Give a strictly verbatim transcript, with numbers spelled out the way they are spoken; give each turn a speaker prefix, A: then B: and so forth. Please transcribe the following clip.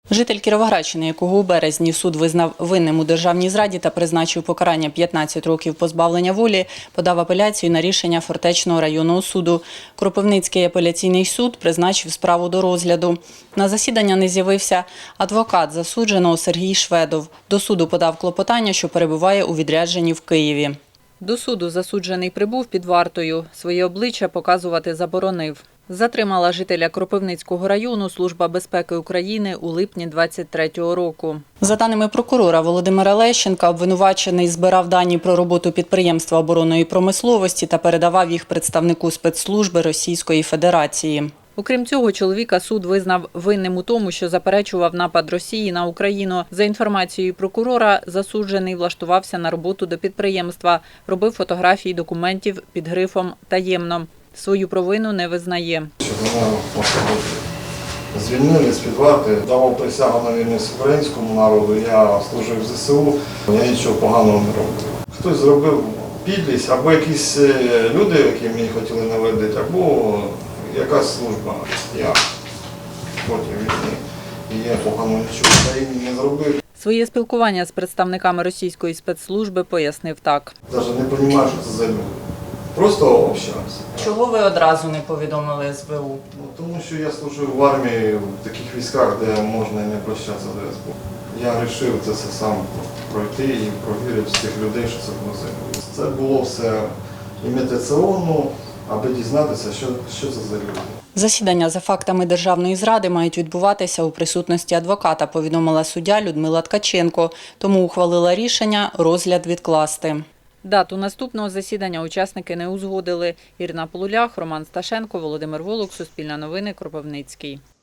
A: Житель Кіровоградщини, якого у березні суд визнав винним у державній зраді та призначив покарання п'ятнадцять років позбавлення волі, подав апеляцію на рішення Фортечного районного суду. Кропивницький апеляційний суд призначив справу до розгляду. На засідання не з'явився адвокат засудженого Сергій Шведов. До суду подав клопотання, що перебуває у відрядженні в Києві. До суду засуджений прибув під вартою. Своє обличчя показувати заборонив. Затримала жителя Кропивницького району Служба безпеки України у липні двадцять третього року. За даними прокурора Володимира Лещенка, обвинувачений збирав дані про роботу підприємства оборонної промисловості та передавав їх представнику спецслужби Російської Федерації. Окрім цього, чоловіка суд визнав винним у тому, що заперечував напад Росії на Україну. За інформацією прокурора, засуджений влаштувався на роботу до підприємства, робив фотографії документів під грифом «таємно». Свою провину не визнає.
B: Звільнили з-під варти, давав присягу на вірність українському народу, я служив в зе се у, я нічого поганого не робив. Хтось зробив підлість, або якісь люди, які мені хотіли наведити, або якась служба. Я проти війни, і я поганого нічого в країні не зробив.
A: Своє спілкування з представниками російської спецслужби пояснив так.
B: Навіть не розумію, що це за люди. Просто общався.
A: Чого ви одразу не повідомили ес бе у?
B: Ну, тому що я служив в армії в таких військах, де можна і не прощатися до ес бе у. Я вирішив це все сам пройти і провірити всіх людей, що це було за. Це було все імітаційно, аби дізнатися, що, що це за люди.
A: Засідання за фактами державної зради мають відбуватися у присутності адвоката, повідомила суддя Людмила Ткаченко. Тому ухвалила рішення розгляд відкласти. Дату наступного засідання учасники не узгодили. Ірина Полулях, Роман Сташенко, Володимир Волок, Суспільне новини, Кропивницький.